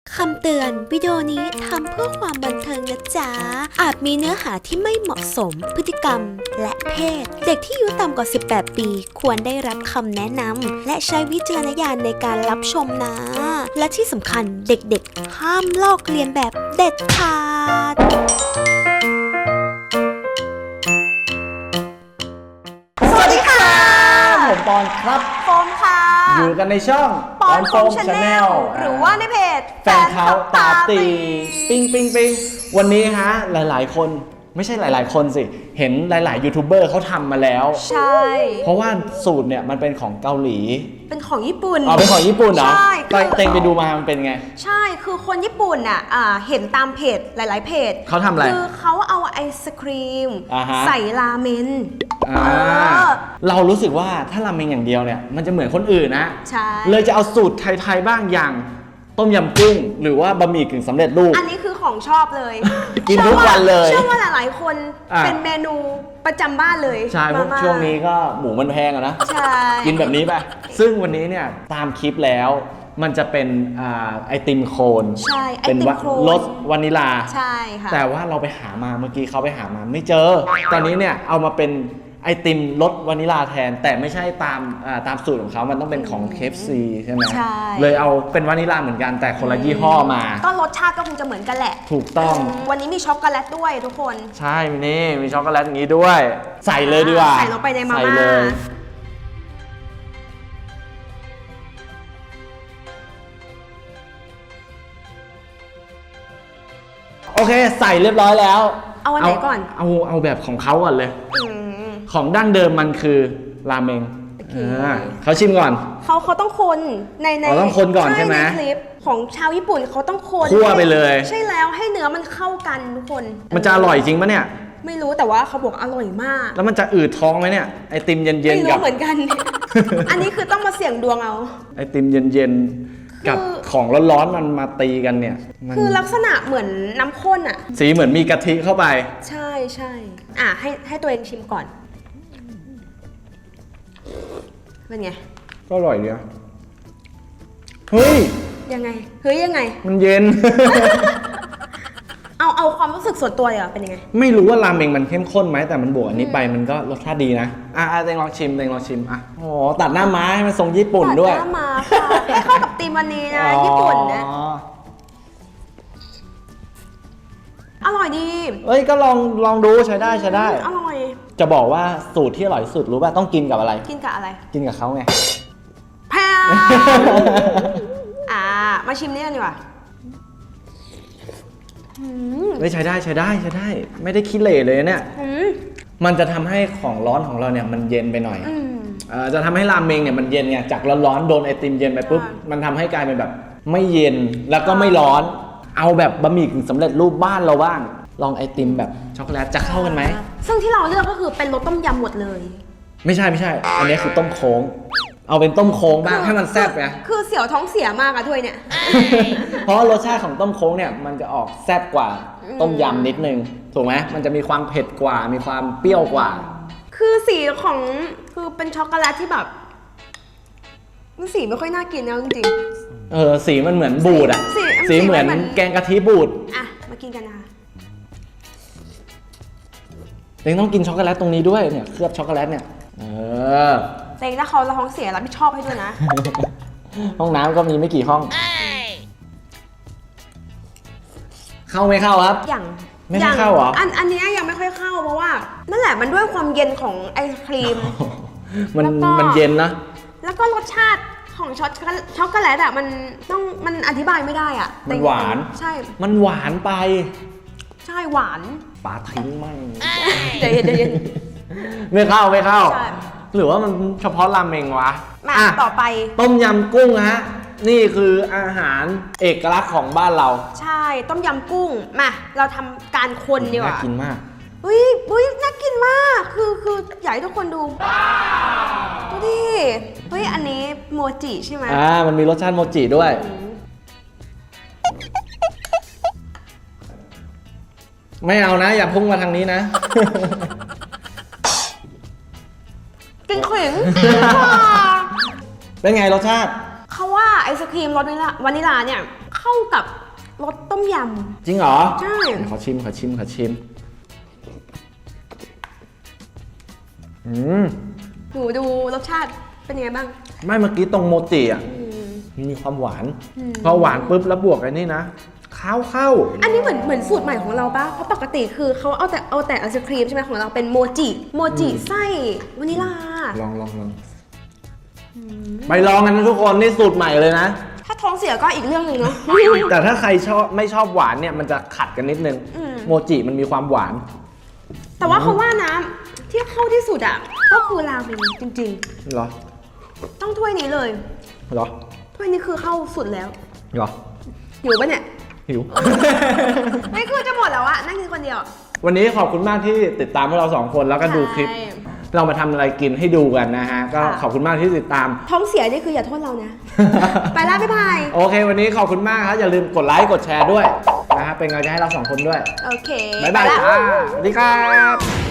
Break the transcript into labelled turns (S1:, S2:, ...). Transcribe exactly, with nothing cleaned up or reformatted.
S1: คำเตือนวิดีโอนี้ทำเพื่อความบันเทิงนะจ๊ะอาจมีเนื้อหาที่ไม่เหมาะสมพฤติกรรมและเพศเด็กที่อายุต่ำกว่าสิบแปดปีควรได้รับคำแนะนำและใช้วิจารณญาณในการรับชมนะและที่สำคัญเด็กๆห้ามลอกเลียนแบบเด็ดขาด
S2: สวัสดีค่ะผมปอนครับ
S3: โฟมค่ะ
S2: อยู่กันในช่อง
S3: ปอนโฟมชาแนลหรือว่าในเพจ
S2: แฟนเขาตาตีปิ้งปิ้งปิ้งวันนี้ฮะหลายๆคนไม่ใช่หลายๆคนสิเห็นหลายๆยูทูบเบอร์เขาทำมาแล้ว
S3: ใช่
S2: เพราะว่าสูตรเนี่ยมันเป็นของเกาหลี
S3: เป็นของญี่ปุ่น
S2: อ๋อเป็นของญี่ปุ่นเหรอ
S3: ใช่
S2: เต็งไปดูมามันเป็นไง
S3: ใช่คือคนญี่ปุ่นอ่ะเห็นตามเพจหลายๆเพจ
S2: เขาทำอะไร
S3: คือเขาเอาไอศครีมใส่ราเมน
S2: เรารู้สึกว่าถ้าราเมงอย่างเดียวเนี่ยมันจะเหมือนคนอื่นนะ
S3: ใช่
S2: เลยจะเอาสูตรไทยๆบ้างอย่างต้มยำกุ้งหรือว่าบะหมี่กึ่งสำเร็จรูป
S3: อันนี้คือของชอบเลย
S2: กินทุกวันเลย
S3: เชื่อว่าหลายๆคนเป็นเมนูประจำบ้านเลย
S2: ใช่เพราะช่วงนี้ก็หมูมันแพงอะนะ
S3: ใช่
S2: กินแบบนี้ไปซึ่งวันนี้เนี่ยตามคลิปแล้วมันจะเป็นไอติมโคน
S3: ใช่
S2: เป็นรสวานิลา
S3: ใช่ค่ะ
S2: แต่ว่าเราไปหามาเมื่อกี้เขาไปหามาไม่เจอตอนนี้เนี่ยเอามาเป็นไอติมรสวานิลาแทนแต่ไม่ใช่ตามตามสูตรของเขามันต้องเป็นของ เค เอฟ ซี ใช่ไหม
S3: ใช่
S2: เลยเอาเป็นวานิลาเหมือนกันแต่คนละยี่ห้อมา
S3: ก็รสชาติก็คงจะเหมือนกันแหละ
S2: ถูกต้อง
S3: วันนี้มีช็อกโกแลตด้วยทุกคน
S2: ใช่นี่มีช็อกโกแลตอย่างนี้ด้วยใส่เลยดีกว่า
S3: ใส่ลงไปในมาม่าใส่เลย
S2: โอเคใส่เรียบร้อยแล้ว
S3: เอาอันไหนก่อน
S2: เอาเอาแบบของเขาก่อนเลยของดั้งเดิมมันคือราเมงเขาชิมก่อน
S3: เขาเขาต้องคนในใน
S2: เขาต้องคนก่อนใช่ไหม
S3: คลิปของชาวญี่ปุ่นเขาต้องคน
S2: คั่วไปเลย
S3: ใช่แล้วให้เนื้อมันเข้ากันทุกคน
S2: มันจะอร่อยจริงปะเนี่ย
S3: ไม่รู้แต่ว่าเขาบอกอร่อยมาก
S2: แล้วมันจะอืดท้องไหมเนี่ยไอติมเย็นๆกับไม่
S3: รู้เหมือนกันอันนี้คือต้องมาเสี่ยงดวงเอา
S2: ไอติมเย็นๆกับของร้อนๆมันมาตีกันเนี่ย
S3: คือลักษณะเหมือนน้ำข้นอ่ะ
S2: สีเหมือนมีกะทิเข้าไป
S3: ใช่ใช่อ่ะให้ให้ตัวเองชิมก่อนเป็นไง
S2: ก็อร่อยดีอะเฮ้ย
S3: ยังไงเฮ้ยยังไง
S2: มันเย็น
S3: เอาเอาความรู้สึกส่วนตัวเหรอเป็นยังไง
S2: ไม่รู้ว่าราเมงมันเข้มข้นไหมแต่มันบวกอันนี้ไปมันก็รสชาติดีนะอ่ะเต็งลองชิมเต็งลองชิมอ่ะโอ้ตัดหน้าม้าให้มันทรงญี่ปุ่นด้วย
S3: ตัดหน้าม้าค่ะให้เข้ากับธีมวันนี้นะญี่ปุ่นนะอร่อยดี
S2: เอ้ยก็ลองลองดูใช้ได้ใช้ได้
S3: อร่อย
S2: จะบอกว่าสูตรที่อร่อยสุดรู้ป่ะต้องกินกับอะไร
S3: กินกับอะไร
S2: กินกับเขาไง
S3: แพงอ่ามาชิมนี่กันดีกว่า
S2: เฮ้ยใช้ได้ใช้ได้ใช้ได้ไม่ได้ขี้เหร่เลยเนี่ยมันจะทำให้ของร้อนของเราเนี่ยมันเย็นไปหน่อยจะทำให้ราเมงเนี่ยมันเย็นไงจากร้อนๆโดนไอติมเย็นไปปุ๊บมันทำให้กลายเป็นแบบไม่เย็นแล้วก็ไม่ร้อนเอาแบบบะหมี่กึ่งสำเร็จรูปบ้านเราบ้างลองไอติมแบบช็อกโกแลตจะเข้ากันไหม
S3: ซึ่งที่เราเลือกก็คือเป็นรสต้มยำหมดเลย
S2: ไม่ใช่ไม่ใช่อันนี้คือต้มโค้งเอาเป็นต้มโค้งบ้างให้มันแซ่บไง
S3: คือเสียวท้องเสียมากอะถ้วยเนี่ย
S2: เพราะรสชาติของต้มโค้งเนี่ยมันจะออกแซ่บกว่าต้มยำนิดนึงถูกไหมมันจะมีความเผ็ดกว่ามีความเปรี้ยวกว่า
S3: คือสีของคือเป็นช็อกโกแลตที่แบบมันสีไม่ค่อยน่ากินนะจริง
S2: ๆเออสีมันเหมือนบูดอะสีเหมือนแกงกะทิบูด
S3: อ่ะมากินกันนะคะ
S2: เต็งต้องกินช็อกโกแลตตรงนี้ด้วยเนี่ยเคลือบช็อกโกแลตเนี่ยเออ
S3: เต็งถ้าเขาท้องเสียรับผิดชอบให้ด้วยนะ
S2: ห้องน้ำก็มีไม่กี่ห้องเข้าไม่เข้าครับ
S3: อย่าง
S2: ไม่เข้าเหรอ
S3: อันอันนี้ยังไม่ค่อยเข้าเพราะว่านั่นแหละมันด้วยความเย็นของไอศครีม
S2: มันมันเย็นนะ
S3: แล้วก็รสชาติของช็อกช็อกโกแลตอ่ะมันต้องมันอธิบายไม่ได้อ่ะ
S2: มันหวาน
S3: ใช่
S2: มันหวานไป
S3: ใช่หวาน
S2: ปาทิ้งมั่ง
S3: เดี๋ยวเดี๋ยว
S2: ไม่เข้าไม่เข้าหรือว่ามันเฉพาะราเมงวะ
S3: มาต่อไป
S2: ต้มยำกุ้งฮะนี่คืออาหารเอกลักษณ์ของบ้านเรา
S3: ใช่ต้มยำกุ้งมาเราทำการคนดีกว่า
S2: น่ากินมาก
S3: อุ้ยอุ้ยน่ากินมากคือคืออยากให้ทุกคนดูดูดิเฮ้ยอันนี้โมจิใช่ไหม
S2: อ่ามันมีรสชาติโมจิด้วยไม่เอานะอย่าพุ่งมาทางนี้นะ
S3: กินขิง
S2: เป็นไงรสชาติ
S3: เขาว่าไอศครีมรสวานิลาเนี่ยเข้ากับรสต้มย
S2: จริงเหรอ
S3: ใช่
S2: ขอชิมขอชิมขอชิมอืม
S3: ำหนูดูรสชาติเป็นยังไงบ้าง
S2: ไม่เมื่อกี้ตรงโมจิอ่ะ
S3: อืม
S2: มีความหวาน
S3: อืม
S2: พอหวานปุ๊บแล้วบวกไอ้นี่นะข้าวเข้า
S3: อันนี้เหมือนเหมือนสูตรใหม่ของเราปะเพราะปกติคือเขาเอาแต่เอาแต่ไอศครีมใช่ไหมของเราเป็นโมจิโมจิไส้วานิลา
S2: ลองลองลองไปลองกันนะทุกคนนี่สูตรใหม่เลยนะ
S3: ถ้าท้องเสียก็อีกเรื่องหนึ่งเนาะ
S2: แต่ถ้าใครชอบไม่ชอบหวานเนี่ยมันจะขัดกันนิดนึง
S3: อืม
S2: โมจิมันมีความหวาน
S3: แต่ว่าเขาว่านะที่เข้าที่สุดอ่ะก็คือราเมงจริง
S2: เหรอ
S3: ๆ ต้องถ้วยนี้เลย
S2: เหรอ
S3: ถ้วยนี้คือเข้าสุดแล้ว
S2: เหรอ
S3: หิวปะเนี่ย
S2: หิว
S3: ไม่คือจะหมดแล้วอะนั่งกินคนเดียว
S2: วันนี้ขอบคุณมากที่ติดตามพวกเราสองคนแล้วก็ดูคลิป
S3: ใช่
S2: เรามาทำอะไรกินให้ดูกันนะฮะ ก็
S3: ค่ะ
S2: ขอบคุณมากที่ติดตาม
S3: ท้องเสียนี่คืออย่าโทษเรานะ ไปแล้วบ๊ายบาย
S2: โอเค วันนี้ขอบคุณมากครับ อย่าลืมกดไลค์กดแชร์ด้วยนะฮะเป็นกำลังใจให้เราสองคนด้วย
S3: โอเค
S2: บ๊ายบาย
S3: ไปละ
S2: จ้าสวัสดีครับ